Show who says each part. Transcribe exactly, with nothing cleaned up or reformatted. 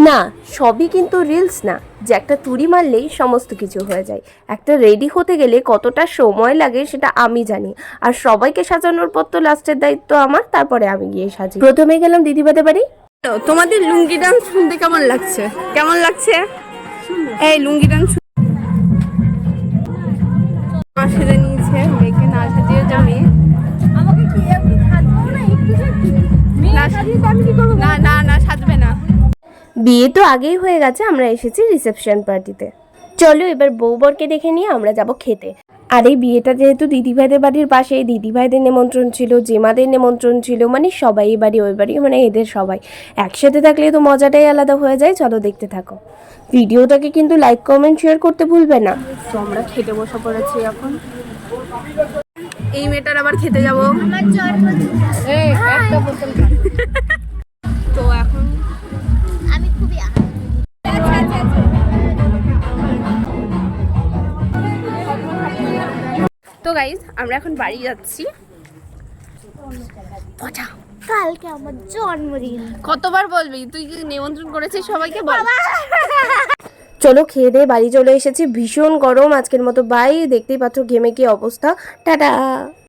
Speaker 1: না, সবই কিন্তু রিলস না যে একটা তুড়ি মারলেই সমস্ত কিছু হয়ে যায়। একটা রেডি হতে গেলে কতটা সময় লাগে সেটা আমি জানি। আর সবাইকে সাজানোর পর তো লাস্টের দায়িত্ব আমার, তারপরে আমি গিয়ে সাজি। প্রথমে গেলাম দিদিবাদের বাড়ি।
Speaker 2: তোমাদের লুঙ্গি ডান্স শুনতে কেমন লাগছে? কেমন লাগছে এই লুঙ্গি ডান্স? সেজে নিয়েছে, মেয়েকে না সাজিয়ে যাবে। না না না সাজবে না।
Speaker 1: বিয়ে তো আগেই হয়ে গেছে, আমরা এসেছি রিসেপশন পার্টিতে। চলো এবার বউ বরকে দেখে নিয়ে আমরা যাব খেতে। আর এই বিয়েটা যেহেতু দিদিভাইদের বাড়ির পাশে, দিদিভাইদের নিমন্ত্রণ ছিল, জেমাদের নিমন্ত্রণ ছিল, মানে সবাই এই বাড়ি ওই বাড়ি, মানে এদের সবাই একসাথে থাকলে তো মজাটাই আলাদা হয়ে যায়। চলো দেখতে থাকো ভিডিওটাকে, কিন্তু লাইক কমেন্ট শেয়ার করতে ভুলবে না।
Speaker 2: তো আমরা খেতে বসে পড়েছি এখন। এই মেয়েটার আবার খেতে যাবো। তো এখন
Speaker 3: আমি খুবই
Speaker 2: তো গাইজ আমরা এখন বাড়ি যাচ্ছি।
Speaker 3: কালকে আমার জন্মদিন।
Speaker 2: কতবার বলবি? তুই কি নিমন্ত্রণ করেছিস সবাইকে? বল।
Speaker 1: চলো খেয়ে দিয়ে বাড়ি চলে এসেছি, ভীষণ গরম আজকের মতো। বাই, দেখতেই পাচ্ছ ঘেমে কি অবস্থা। টাটা।